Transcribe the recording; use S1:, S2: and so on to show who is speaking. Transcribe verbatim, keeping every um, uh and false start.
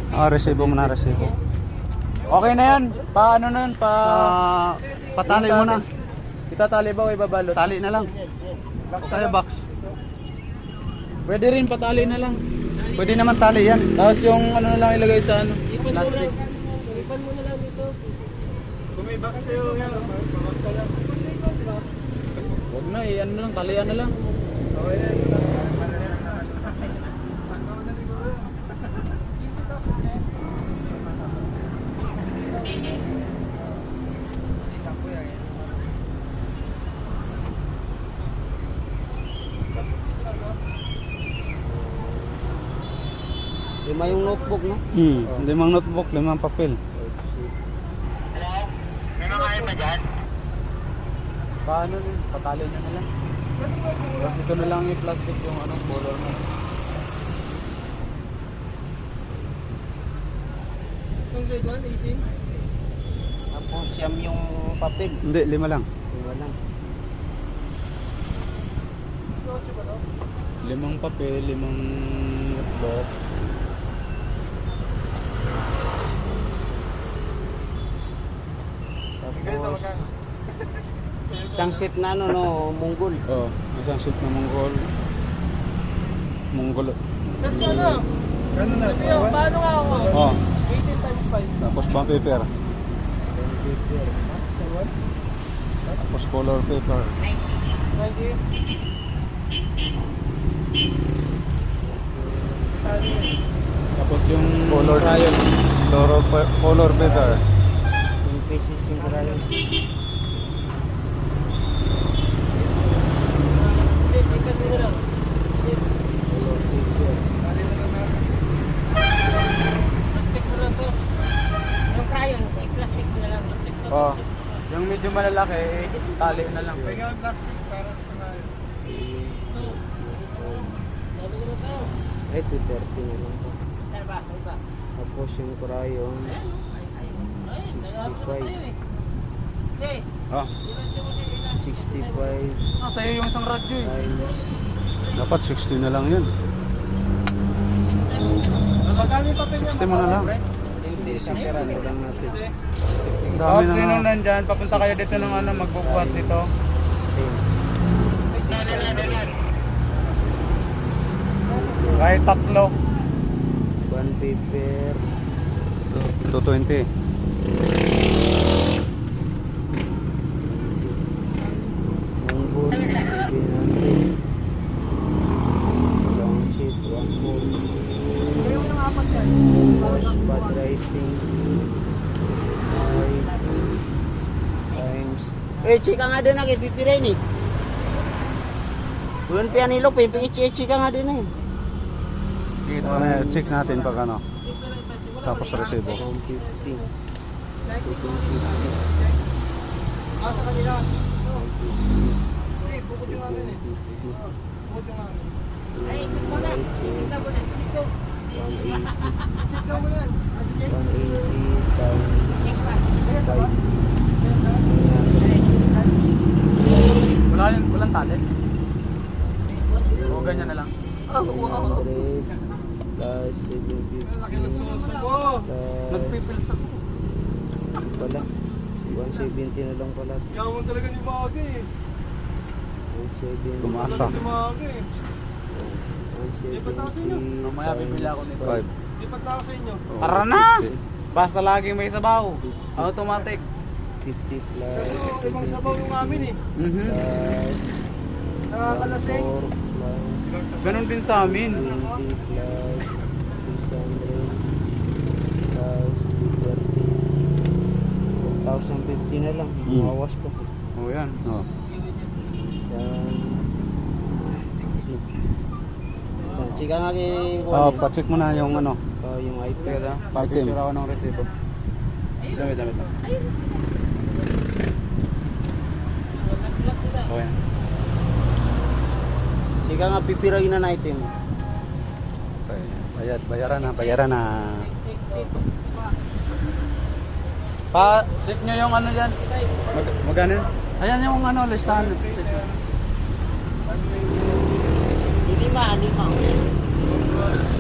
S1: Ah, resibo mo na, resibo.
S2: Okay na yan. Pa ano na yan? Pa...
S1: Ah, patali mo na.
S2: Itatali ba o ibabalot?
S1: Tali na lang. Tayo box.
S2: Pwede rin patali na lang.
S1: Pwede naman tali yan.
S2: Tapos yung ano na lang ilagay sa ano? Plastic.
S3: Ipan mo na lang ito.
S2: Kung may bakit kayo yan, pamagka lang. Huwag na eh, ano lang, talian na lang. Okay na yun.
S3: Lima yung notebook, no?
S1: Hmm, limang notebook, limang papel.
S4: Hello? May makain ba dyan?
S2: Paano nun? Patali nyo na lang. Tapos ito na lang yung plastic yung anong color na. Yung grade one, eighteen?
S3: Tapos siyam yung papel.
S1: Hindi, lima lang.
S3: Lima lang.
S2: Limang papel, limang notebook.
S3: Tapos isang set na ano, no, munggol.
S1: Oh, isang sheet na Mongol. Mongol.
S3: Set ka na?
S2: Gano'n na?
S3: Paano nga ako?
S1: Oh,
S3: eighteen times five.
S1: tapos bond paper. Tapos color paper.
S3: ninety.
S2: Tapos yung
S1: Color
S2: crayon.
S1: Color, pa- color paper.
S3: Yung pieces yung crayon.
S2: Oh, yung medyo malalaki, eh, tali na lang.
S3: Ay, two thirty na lang po. Tapos yung crayon, sixty-five.
S1: Ah,
S3: sixty-five
S2: Ah, sa'yo yung isang radyo eh.
S3: times
S1: dapat sixty na lang yun. sixty mo na lang.
S3: isang karado lang natin.
S1: Ang
S2: Tapos
S1: dami na
S2: sino
S1: nga.
S2: nandyan, papunta kayo dito ng ano, magbubuhat dito. Kahit tatlo.
S3: One paper,
S1: two twenty.
S3: munggol, seven hundred. Long sheet, one whole. Tapos bad writing, five times. Eh, chika nga din na kay pipiray ni. Buwan pa nilo, pipi-chika nga din eh.
S1: Ano, check natin pag ano. Tapos resibo.
S3: one fifty. two fifty.
S2: Wala yun, walang tali. O ganyan na lang.
S3: Plus seven fifty.
S2: Nagpipils ako.
S3: Wala. one seventy na lang pala.
S2: Yaman talaga ni Maga eh.
S3: one seventy.
S1: Tumasa.
S2: Maga eh.
S3: one seventy.
S2: Mamaya bibili ako nito.
S1: five.
S2: Lipat na ako sa inyo.
S1: Oh,
S2: Tara na!
S1: fifty.
S2: Basta laging may sabaw. Automatic.
S3: fifty plus
S2: Ibang sabaw yung amin eh. Mhm.
S3: plus
S2: Nakakalasing.
S3: four plus
S2: Ganon din sa amin.
S3: twenty plus six hundred plus two thirty. one thousand fifty na lang.
S1: Hmm.
S3: Mawas pa.
S2: O yan.
S1: Oh.
S3: Yan. Yan, chika nga kay
S1: Oh,
S3: Juan.
S1: pa-check mo na yung ano.
S3: Oh, yung item.
S2: Teka,
S1: Item.
S2: picture ako ng resibo. Damit, damit lang. O yan.
S3: Chika nga pipirayin na item.
S1: Okay. Bayad, bayaran na, bayaran na.
S2: Pa, check nyo yung ano dyan. Mag magano yun? Ayan yung ano, listahan. Check nyo.
S3: Lima, lima.